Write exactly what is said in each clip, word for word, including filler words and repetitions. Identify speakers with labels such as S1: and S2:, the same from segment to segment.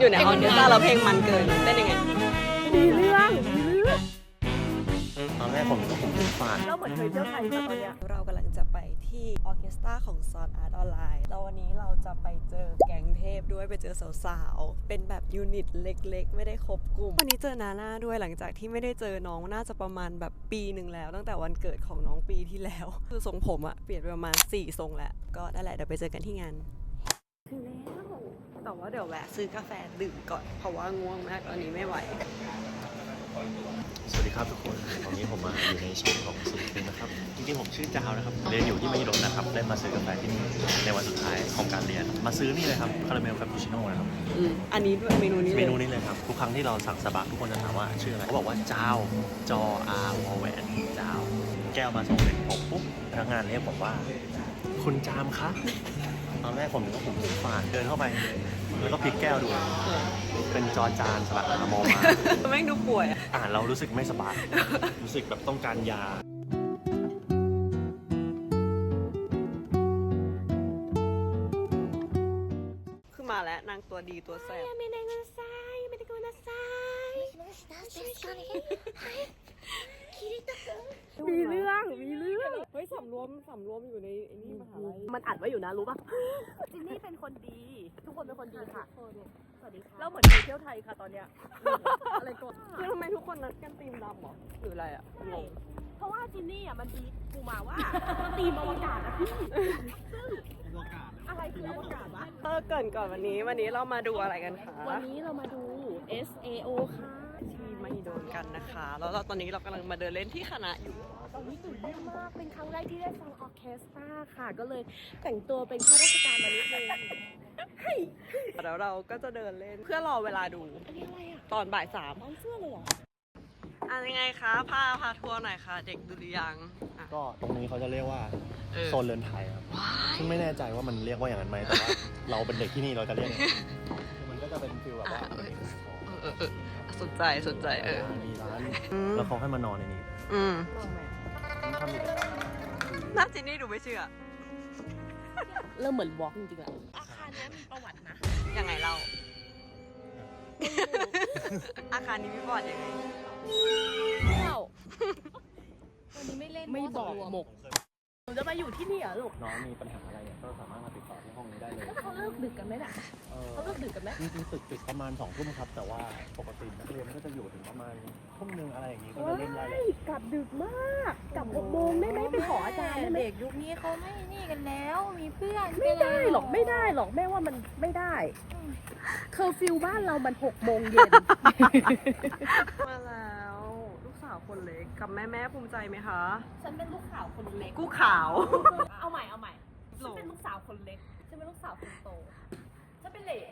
S1: อยู่ในออร์เคสตราแล้วเพลงมันเกินเต้นยังไงดีเรื่องดีเรื่อง
S2: ตอนแรกผมก็ผมฟาด
S1: เราเหมือนเคยเที่ยวไทยแต่ตอนเนี้ยเรากำลังจะไปที่ออร์เคสตราของซอนอาร์ตออนไลน์แล้ววันนี้เราจะไปเจอแก๊งเทพด้วยไปเจอสาวๆเป็นแบบยูนิตเล็กๆไม่ได้ครบกลุ่มวันนี้เจอนาน่าด้วยหลังจากที่ไม่ได้เจอน้องน่าจะประมาณแบบปีหนึ่งแล้วตั้งแต่วันเกิดของน้องปีที่แล้วคือทรงผมอะเปลี่ยนไปประมาณสี่ทรงแล้วก็นั่นแหละเดี๋ยวไปเจอกันที่งานถึงแล้วแต่ว่าเดี๋ยวแวะซื้อกาแฟดื่มก่อนเพราะว่าง่วงมากตอนนี้ไม่ไหว
S2: สวัสดีครับทุกคนตอนนี้ผมมาอยู่ในช่องของศิลปินนะครับจริงๆผมชื่อจาวนะครับเรียนอยู่ที่มหิดลนะครับได้มาซื้อกาแฟที่นี่ในวันสุดท้ายของการเรียนมาซื้อนี่เลยครับคาราเมลคาปูชิโน่นะครับ
S1: อืมอันนี้ด้วยเมนูนี้
S2: เมนูนี้เลยครับทุกครั้งที่เราสั่งสบะทุกคนจะถามว่าชื่ออะไรเขาบอกว่าจาวจออาวอแหวนจาวแก้วมาส่งเป็นผมปุ๊บพนักงานเรียกผมว่าคุณจามคะตอนแรกผมนึกว่าผมหูฝาดเดินเข้าไปแล้วก็พลิกแก้วดูเป็นจอจานสระอามอมา
S1: แม่งดูป่วย
S2: อ่านเรารู้สึกไม่สบายรู้สึกแบบต้องการยา
S1: คือมาแล้วนางตัวดีตัวแซ่บไม่ได้กุนไซไม่ได้กุนไซมีเรื่องมีเรื่องเฮ้ยสำรวมสำรวมอยู่ในไอ้นี่มหาลัยมันอัดไว้อยู่นะรู้ป่ะจินนี่เป็นคนดีทุกคนเป็นคนดีค่ะสวัสดีค่ะเราเหมือนไปเที่ยวไทยค่ะตอนเนี้ยอะไรก่อนคือทำไมทุกคนนัดกันตีมดำหรอหรืออะไรอ่ะงง
S3: เพราะว่าจินนี่อ่ะมันดีกูมาว่าตีมอวกาศอะพี่อะไรคืออวกาศวะ
S1: เออเกินก่อนวันนี้วันนี้เรามาดูอะไรกันคะ
S3: วันนี้เรามาดู เอส เอ โอ ค่ะ
S1: ที่ไม่โดนกันนะคะแล้วเราตอนนี้เรากำลังมาเดินเล่นที่คณะอยู่
S3: ตอนนี้ตื่นเต้นมากเป็นครั้งแรกที่ได้ฟังออร์เคสตราค่ะก็เลยแต่งตัวเป็นข้าราชการมานิดนึง
S1: แล้วเราก็จะเดินเล่นเพื่อรอเวลาดู
S3: อันนี้อะไรอ่ะ
S1: ตอนบ่ายสาม
S3: ตอนเสื้อเลยเหรอ
S1: อ่ะยังไงคะพาพาทัวร์หน่อยค่ะเด็กดุริยางค์
S2: ก็ตรงนี้เขาจะเรียกว่าโซนเรือนไทยครับซึ่งไม่แน่ใจว่ามันเรียกว่าอย่างนั้นไหมแต่ว่าเราเป็นเด็กที่นี่เราจะเรียกมันก็จะเป็นฟีลแบบว่า
S1: สนใจสนใจเออ
S2: มีร้านแล้วเขาให้มานอนในนี้
S1: อืม
S2: ทำกิจกรรม
S1: น่าจินนี่ดูไม่เชื่อ
S3: เริ่มเหมือนวอล์กจริงๆอะอาคารนี้มีประวัตินะ
S1: ยังไงเล่าอาคารนี้มีประวัติยังไง
S3: ไม่เล่าวันนี้ไม่เล่นไม่บอกหมกหนูจะมาอยู่ที่นี่เหรอลูก
S2: น้องมีปัญหาอะไรเนี่ยก็สามารถมาติดต่อที่ห้องนี้ได้เลย
S3: เขาเลิกดึกกันไหมล่ะเขาเลิกดึกกันไหม
S2: จริงๆตึกปิดประมาณสองทุ่มครับแต่ว่าปกตินักเรียนก็จะอยู่ถึงประมาณทุ่มนึงอะไรอย่างนี้ก็จะเล่นได้เลย
S3: กลับดึกมากกลับหกโมงได้ไหมไปขออาจารย์ได้ไหม
S4: เด็กยุคนี้เขาไม่นี่กันแล้วมีเพื่อน
S3: ไม่ได้หรอกไม่ได้หรอกแม่ว่ามันไม่ได้เคอร์ฟิวบ้านเรามันหกโมงเย็น
S1: มาแล้วลูกสาวคนเล็กกับแม่แม่ภูมิใจไหมคะ
S3: ฉันเป็นลูกสาวคนเล็ก
S1: กูขาว
S3: เอาใหม่เอาใหม่ฉันเป็นลูกสาวคนเล็กฉันเป็นลูกสาวคนโตฉันเป็นเหล่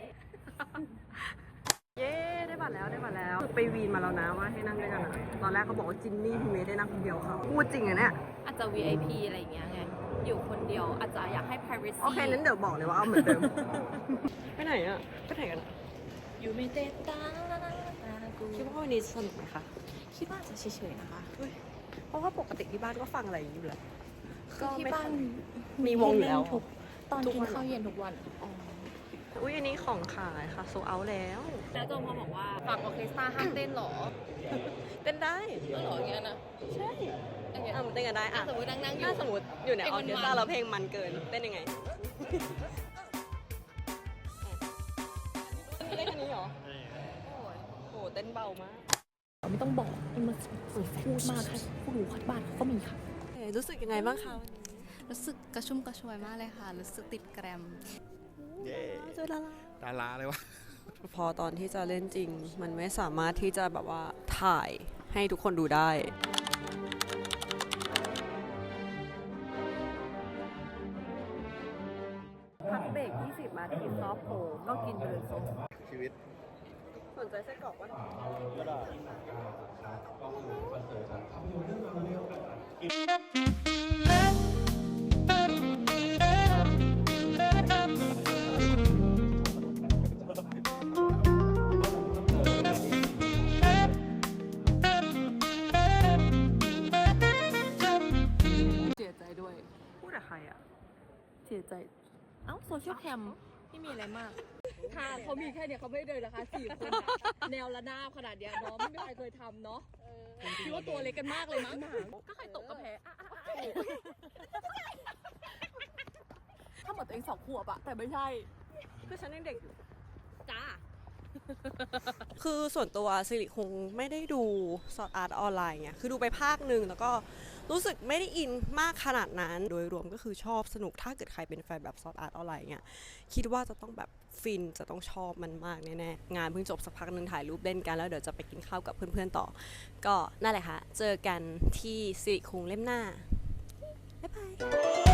S1: เย้ได้บัตรแล้วได้บัตรแล้วไปวีนมาแล้วนะว่าให้นั่งด้วยกันนะตอนแรกเขาบอกว่าจินนี่พี่เมย์ได้นั่งคนเดียวเขาพูดจริงอะเนี่ย
S4: อาจจะ วี ไอ พี อะไรอย่างเงี้ยไงอยู่คนเดียวอาจจะอยากให้ privacy
S1: โอเคนั้นเดี๋ยวบอกเลยว่าเอาเหมือนเดิมไปไหนอะไปไหนกัน
S4: อยู่ไม่เต้นตา
S1: คิดว่าวันนี้สนุกไหมคะ
S4: คิดว่าจะเฉยๆนะคะ
S1: เพราะว่าปกติที่บ้านก็ฟังอะไรอย่างนี้อยู่แล้ว
S4: ก็ที่บ้าน
S1: มีวงอยู่แล้ว
S4: ตอนกินข้าวเย็นทุกวัน
S1: อุ้ยอันนี้ของขายค่ะโซเอาแล้ว
S4: แล้วโจมพอบอกว่าฝากออเคสตราห้ามเต้นหรอ
S1: เต้นได้
S4: หรออย่างเงี้ยนะ
S1: ใช่อ่ะมันเต้นกันได้อ่ะ
S4: สมมตินั่งๆอยู่
S1: ถ้าสมมติอยู่ในออเคสตราแล้วเพลงมันเกินเต้นยังไงเล่นอันนี้เหรอโอ้โหเต้นเบามาก
S3: ไม่ต้องบอกมันมาพูดมากค่ะพวกหนูคัดบ้านก็มีค่ะ
S1: รู้สึกยังไงบ้างคะ
S4: รู้สึกกระชุ่มกระชวยมากเลยค่ะรู้สึกติดแกรม
S1: เย้เจอดารา
S2: ดาราเลยวะ
S1: พอตอนที่จะเล่นจริงมันไม่สามารถที่จะแบบว่าถ่ายให้ทุกคนดูได้พักเบรกยี่สิบนาทีซอฟโผก็กินไปเลย
S2: ชีวิต
S1: สนใจไส้กรอกวะ
S2: ก็ได้
S1: เสียใจด้วยพูดกับใครอ่ะ
S3: เสียใจ
S4: เอ้าโซเชียลแคมไม่มีอะไรมาก
S3: ทางเขามีแค่เนี้ยเขาไม่เดินนะคะสี่คนอะแนวระนาบขนาดเนี้ยเนาะไม่มีใครเคยทำเนาะคิดว่าตัวเล็กกันมากเลยมั้งก็ใครตกก็แพ้ถ้าเหมือนตัวเองสองขวบอะแต่ไม่ใช่
S1: คือฉันยังเด็กอยู่
S3: จ้า
S1: คือส่วนตัวสิริคงไม่ได้ดูซอร์อาร์ตออนไลน์ไงคือดูไปภาคหนึ่งแล้วก็รู้สึกไม่ได้อินมากขนาดนั้น โดยรวมก็คือชอบสนุกถ้าเกิดใครเป็นแฟนแบบซอร์อาร์ตออนไลน์เงี้ยคิดว่าจะต้องแบบฟินจะต้องชอบมันมากแน่ๆงานเพิ่งจบสักพักหนึ่งถ่ายรูปเล่นกันแล้วเดี๋ยวจะไปกินข้าวกับเพื่อนๆต่อก็นั่นแหละค่ะเจอกันที่สิริคงเล่มหน้าบ๊ายบาย